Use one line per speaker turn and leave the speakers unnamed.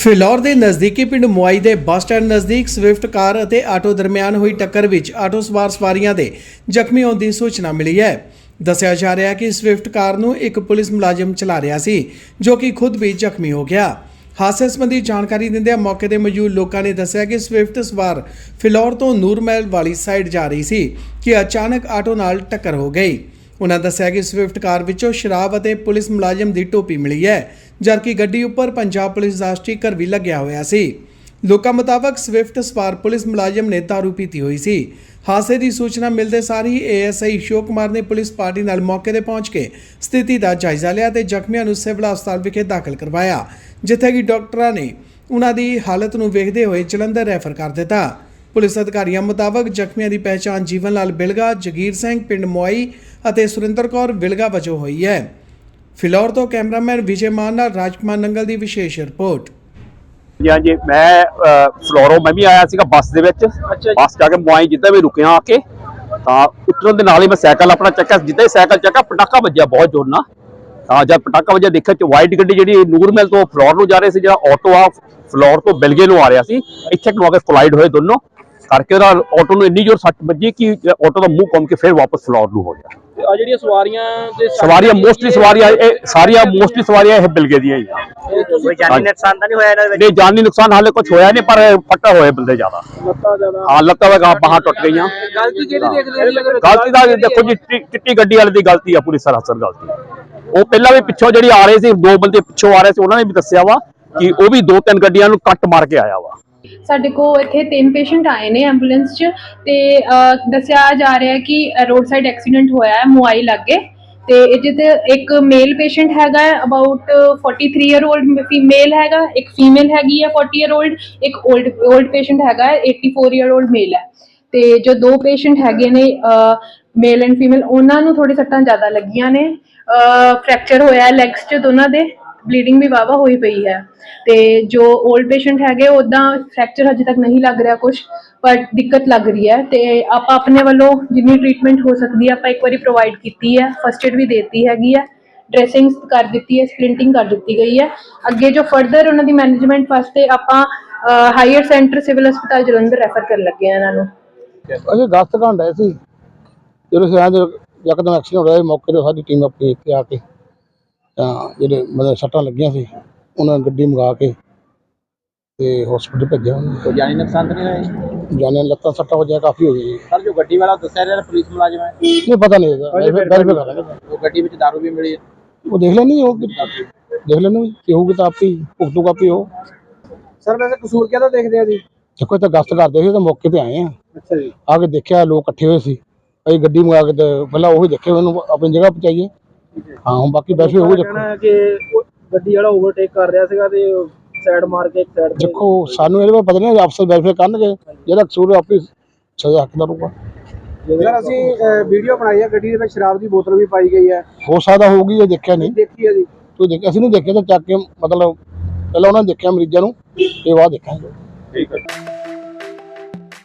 ਫਿਲੌਰ ਦੇ ਨਜ਼ਦੀਕੀ ਪਿੰਡ ਮੁਆਈ ਦੇ ਬੱਸ ਸਟੈਂਡ ਨਜ਼ਦੀਕ ਸਵਿਫਟ ਕਾਰ ਅਤੇ ਆਟੋ ਦਰਮਿਆਨ ਹੋਈ ਟੱਕਰ ਵਿੱਚ ਆਟੋ ਸਵਾਰ ਸਵਾਰੀਆਂ ਦੇ ਜ਼ਖਮੀ ਹੋਣ ਦੀ ਸੂਚਨਾ ਮਿਲੀ ਹੈ। ਦੱਸਿਆ ਜਾ ਰਿਹਾ ਹੈ ਕਿ ਸਵਿਫਟ ਕਾਰ ਨੂੰ ਇੱਕ ਪੁਲਿਸ ਮੁਲਾਜ਼ਮ ਚਲਾ ਰਿਹਾ ਸੀ ਜੋ ਕਿ ਖੁਦ ਵੀ ਜ਼ਖਮੀ ਹੋ ਗਿਆ। ਹਾਦਸੇ ਸੰਬੰਧੀ ਜਾਣਕਾਰੀ ਦਿੰਦਿਆਂ ਮੌਕੇ ਤੇ ਮੌਜੂਦ ਲੋਕਾਂ ਨੇ ਦੱਸਿਆ ਕਿ ਸਵਿਫਟ ਸਵਾਰ ਫਿਲੌਰ ਤੋਂ ਨੂਰਮਹਿਲ ਵਾਲੀ ਸਾਈਡ ਜਾ ਰਹੀ ਸੀ ਕਿ ਅਚਾਨਕ ਆਟੋ ਨਾਲ ਟੱਕਰ ਹੋ ਗਈ। उन्होंने दस्सिया कि स्विफ्ट कार विचों शराब और पुलिस मुलाजम की टोपी मिली है, जबकि गड्डी उपर पंजाब पुलिस का स्टिकर भी लग्या होया सी। लोकां मुताबक स्विफ्ट सवार पुलिस मुलाजम ने दारू पीती हुई सी। हादसे की सूचना मिलते सार ही ASI अशोक कुमार ने पुलिस पार्टी नाल मौके पर पहुँच के स्थिति का जायजा लिया तो जख्मियों को सिविल हस्पताल विखे दाखिल करवाया, जिथे कि डॉक्टरों ने उन्हां दी हालत नूं वेखदे होए जलंधर रैफर कर दिता। पुलिस अधिकारियों मुताबक जख्मियों की पहचान जीवन लाल बिलगा, जगीर सिंह पिंड मुआई ਅਤੇ ਸੁਰਿੰਦਰ ਕੌਰ ਵਿਲਗਾ ਵਜੋਂ ਹੋਈ ਹੈ। ਫਿਲੌਰ ਤੋਂ ਕੈਮਰਾਮੈਨ ਵਿਜੇ ਮਾਨ ਨਾਲ ਰਾਜਕੁਮਾਰ ਨੰਗਲ ਦੀ ਵਿਸ਼ੇਸ਼ ਰਿਪੋਰਟ।
जी मैं ਫਲੋਰੋਂ मैं भी आया ਸੀਗਾ ਬੱਸ ਦੇ ਵਿੱਚ। ਬੱਸ ਜਾ ਕੇ ਮੁਆਈ ਜਿੱਦਾਂ ਵੀ ਰੁਕਿਆ ਆ ਕੇ ਤਾਂ ਉਤਰਨ ਦੇ ਨਾਲ ਹੀ ਮੈਂ ਸਾਈਕਲ ਆਪਣਾ ਚੱਕਿਆ। ਜਿੱਦਾਂ ਹੀ ਸਾਈਕਲ ਚੱਕਿਆ ਪਟਾਕਾ ਵੱਜਿਆ ਬਹੁਤ ਜ਼ੋਰ ਨਾਲ। ਤਾਂ ਜਦ ਪਟਾਕਾ ਵੱਜਿਆ ਦੇਖਿਆ ਚ ਵਾਈਟ ਗੱਡੀ ਜਿਹੜੀ ਨੂਰਮਹਿਲ ਤੋਂ ਫਲੋਰ ਨੂੰ ਜਾ ਰਹੀ ਸੀ, ਜਿਹੜਾ ਆਟੋ ਆ ਫਲੋਰ ਤੋਂ ਬਿਲਗੇ ਨੂੰ ਆ ਰਿਹਾ ਸੀ, ਇੱਥੇ ਨੂੰ ਆ ਕੇ ਕੋਲਾਈਡ ਹੋਏ ਦੋਨੋਂ ਕਰਕੇ ਉਹਦਾ ਆਟੋ ਨੂੰ ਇੰਨੀ ਜ਼ੋਰ ਸੱਟ ਵੱਜੀ ਕਿ ਆਟੋ ਦਾ ਮੂੰਹ ਘੁੰਮ ਕੇ ਫਿਰ ਵਾਪਸ ਫਲੋਰ ਨੂੰ ਹੋ ਗਿਆ।
ਆ ਜਿਹੜੀਆਂ
ਸਵਾਰੀਆਂ ਮੋਸਟਲੀ ਸਵਾਰੀਆਂ ਇਹ ਸਾਰੀਆਂ ਮੋਸਟਲੀ ਸਵਾਰੀਆਂ ਇਹ ਬਿਲਗੇ ਦੀਆਂ ਹੀ ਆ।
ਕੋਈ ਜਾਨੀ ਨੁਕਸਾਨ ਤਾਂ ਨਹੀਂ ਹੋਇਆ ਇਹਨਾਂ ਵਿੱਚ?
ਨਹੀਂ, ਜਾਨੀ ਨੁਕਸਾਨ ਹਾਲੇ ਕੁਝ ਹੋਇਆ ਨਹੀਂ, ਪਰ ਫੱਟਾ ਹੋਏ ਬੰਦੇ ਜ਼ਿਆਦਾ। ਹਾਂ, ਲੱਤਾਂ ਵਗਾ ਬਾਹਾਂ ਟੁੱਟ ਗਈਆਂ।
ਗਲਤੀ ਕਿਹਦੀ ਦੇਖਦੇ ਹੋ?
ਗਲਤੀ ਦਾ ਦੇਖੋ ਜੀ, ਚਿੱਟੀ ਗੱਡੀ ਵਾਲੇ ਦੀ ਗਲਤੀ ਆ, ਪੂਰੀ ਸਰਾਸਰ ਗਲਤੀ। ਉਹ ਪਹਿਲਾਂ ਵੀ ਪਿੱਛੋਂ ਜਿਹੜੀ ਆ ਰਹੇ ਸੀ, ਦੋ ਬੰਦੇ ਪਿੱਛੋਂ ਆ ਰਹੇ ਸੀ, ਉਹਨਾਂ ਨੇ ਵੀ ਦੱਸਿਆ ਵਾ ਕਿ ਉਹ ਵੀ 2-3 ਗੱਡੀਆਂ ਨੂੰ ਕੱਟ ਮਾਰ ਕੇ ਆਇਆ ਵਾ।
ਸਾਡੇ ਕੋਲ ਇੱਥੇ 3 ਪੇਸ਼ੈਂਟ ਆਏ ਨੇ ਐਂਬੂਲੈਂਸ 'ਚ ਤੇ ਦੱਸਿਆ ਜਾ ਰਿਹਾ ਕਿ ਰੋਡ ਸਾਈਡ ਐਕਸੀਡੈਂਟ ਹੋਇਆ ਹੈ ਮੁਆਈ ਲਾਗੇ ਤੇ ਇਹਦੇ ਤੇ ਇੱਕ ਮੇਲ ਪੇਸ਼ੈਂਟ ਹੈਗਾ ਅਬਾਊਟ 43 ਈਅਰ 올ਡ ਫੀਮੇਲ ਹੈਗਾ, ਇੱਕ ਫੀਮੇਲ ਹੈਗੀ ਹੈ 40 ਈਅਰ 올ਡ, ਇੱਕ 올ਡ ਪੇਸ਼ੈਂਟ ਹੈਗਾ 84 ਈਅਰ 올ਡ ਮੇਲ ਹੈ। ਤੇ ਜੋ ਦੋ ਪੇਸ਼ੈਂਟ ਹੈਗੇ ਨੇ ਮੇਲ ਐਂਡ ਫੀਮੇਲ, ਉਹਨਾਂ ਨੂੰ ਥੋੜੀ ਸੱਟਾਂ ਜ਼ਿਆਦਾ ਲੱਗੀਆਂ ਨੇ। ਫ੍ਰੈਕਚਰ ਹੋਇਆ ਲੈਗਸ 'ਚ ਦੋਨਾਂ ਦੇ, ਬਲੀਡਿੰਗ ਵੀ ਵਾਵਾ ਹੋਈ ਪਈ ਹੈ। ਤੇ ਜੋ 올ਡ ਪੇਸ਼ੈਂਟ ਹੈਗੇ ਉੱਦਾਂ ਫ੍ਰੈਕਚਰ ਹਜੇ ਤੱਕ ਨਹੀਂ ਲੱਗ ਰਿਹਾ ਕੁਝ, ਪਰ ਦਿੱਕਤ ਲੱਗ ਰਹੀ ਹੈ ਤੇ ਆਪਾਂ ਆਪਣੇ ਵੱਲੋਂ ਜਿੰਨੀ ਟ੍ਰੀਟਮੈਂਟ ਹੋ ਸਕਦੀ ਹੈ ਆਪਾਂ ਇੱਕ ਵਾਰੀ ਪ੍ਰੋਵਾਈਡ ਕੀਤੀ ਹੈ। ਫਸਟ ਏਡ ਵੀ ਦੇਤੀ ਹੈਗੀ ਹੈ, ਡਰੈਸਿੰਗ ਕਰ ਦਿੱਤੀ ਹੈ, ਸਪਲਿੰਟਿੰਗ ਕਰ ਦਿੱਤੀ ਗਈ ਹੈ। ਅੱਗੇ ਜੋ ਫਰਦਰ ਉਹਨਾਂ ਦੀ ਮੈਨੇਜਮੈਂਟ ਵਾਸਤੇ ਆਪਾਂ ਹਾਇਰ ਸੈਂਟਰ ਸਿਵਲ ਹਸਪਤਾਲ ਜਲੰਧਰ ਰੈਫਰ ਕਰਨ ਲੱਗੇ ਆ ਇਹਨਾਂ ਨੂੰ।
ਅਸੀਂ ਗਸਤ ਕਰਨ ਡਏ ਸੀ, ਜਦੋਂ ਯਕਦਮ ਐਕਸੀਡੈਂਟ ਹੋ ਰਿਹਾ, ਮੌਕੇ 'ਤੇ ਸਾਡੀ ਟੀਮ ਆਪਣੀ ਇੱਥੇ ਆ ਕੇ ਤਾਂ ਜਿਹੜੇ ਮਤਲਬ ਸੱਟਾਂ ਲੱਗੀਆਂ ਸੀ ਉਹਨਾਂ ਨੇ ਗੱਡੀ ਮੰਗਾ ਕੇ ਤੇ ਹਸਪੀਟਲ ਭੇਜਿਆ।
ਕੋਈ ਜਾਨੀ ਨੁਕਸਾਨ ਤਾਂ ਨਹੀਂ ਹੋਇਆ?
ਜਾਨੇ ਲੱਤਾਂ ਸੱਟਾਂ ਵਜਿਆ ਕਾਫੀ ਹੋ ਗਈ।
ਸਰ ਜੋ ਗੱਡੀ ਵਾਲਾ ਦੱਸਿਆ ਰਿਹਾ ਪੁਲਿਸ ਮੁਲਾਜ਼ਮ ਹੈ,
ਨਹੀਂ ਪਤਾ ਨਹੀਂ ਵੈਰੀਫਾਈ ਕਰ ਲਾਂਗੇ।
ਉਹ ਗੱਡੀ ਵਿੱਚ ਦਾਰੂ ਵੀ ਮਿਲੀ ਹੈ,
ਉਹ ਦੇਖ ਲੈਣੀ, ਉਹ ਦੇਖ ਲੈਣੀ ਕਿ ਹੋਊਗੀ ਤਾਂ ਆਪੀ ਭੁਗਤੂਗਾ ਆਪੀ ਉਹ।
ਸਰ ਵੈਸੇ ਕਸੂਰ ਕਿਹਦਾ ਦੇਖਦੇ ਆ ਜੀ?
ਦੇਖੋ ਇੱਥੇ ਗਸਤ ਕਰਦੇ ਸੀ ਤਾਂ ਮੌਕੇ 'ਤੇ ਆਏ ਆ।
ਅੱਛਾ ਜੀ।
ਆ ਕੇ ਦੇਖਿਆ ਲੋਕ ਇਕੱਠੇ ਹੋਏ ਸੀ, ਅਸੀਂ ਗੱਡੀ ਮੰਗਾ ਕੇ ਤੇ ਪਹਿਲਾਂ ਉਹੀ ਦੇਖੇ, ਉਹਨੂੰ ਆਪਣੀ ਜਗ੍ਹਾ ਪਹੁੰਚਾਈਏ। ਹਾਂ, ਹੁਣ ਬਾਕੀ ਵੈਸੇ ਉਹ ਦੇਖੋ
ਕਿ ਗੱਡੀ ਵਾਲਾ ਓਵਰਟੇਕ ਕਰ ਰਿਹਾ ਸੀਗਾ ਤੇ ਸਾਈਡ ਮਾਰ ਕੇ ਇੱਕ ਸਾਈਡ ਤੇ।
ਦੇਖੋ ਸਾਨੂੰ ਇਹਦੇ ਬਾਰੇ ਪਤਾ ਨਹੀਂ, ਅਫਸਰ ਵੈਰੀਫਾਈ ਕਰਨਗੇ, ਜਿਹੜਾ ਕਸੂਰ ਆਪਣੀ ਸਜ਼ਾ ਹੱਕਦਾਰ ਹੋਊਗਾ।
ਸਰ ਅਸੀਂ ਵੀਡੀਓ ਬਣਾਈ ਹੈ, ਗੱਡੀ ਦੇ ਵਿੱਚ ਸ਼ਰਾਬ ਦੀ ਬੋਤਲ ਵੀ ਪਾਈ ਗਈ ਹੈ।
ਹੋ ਸਕਦਾ ਹੋਊਗੀ, ਇਹ ਦੇਖਿਆ ਨਹੀਂ।
ਦੇਖੀ ਹੈ ਜੀ?
ਤੂੰ ਦੇਖ, ਅਸੀਂ ਨਹੀਂ ਦੇਖਿਆ ਤਾਂ ਚੱਕ ਕੇ ਮਤਲਬ ਪਹਿਲਾਂ ਉਹਨਾਂ ਨੇ ਦੇਖਿਆ ਮਰੀਜ਼ਾਂ ਨੂੰ, ਇਹ ਬਾਅਦ ਦੇਖਾਂਗੇ।
ਠੀਕ ਹੈ।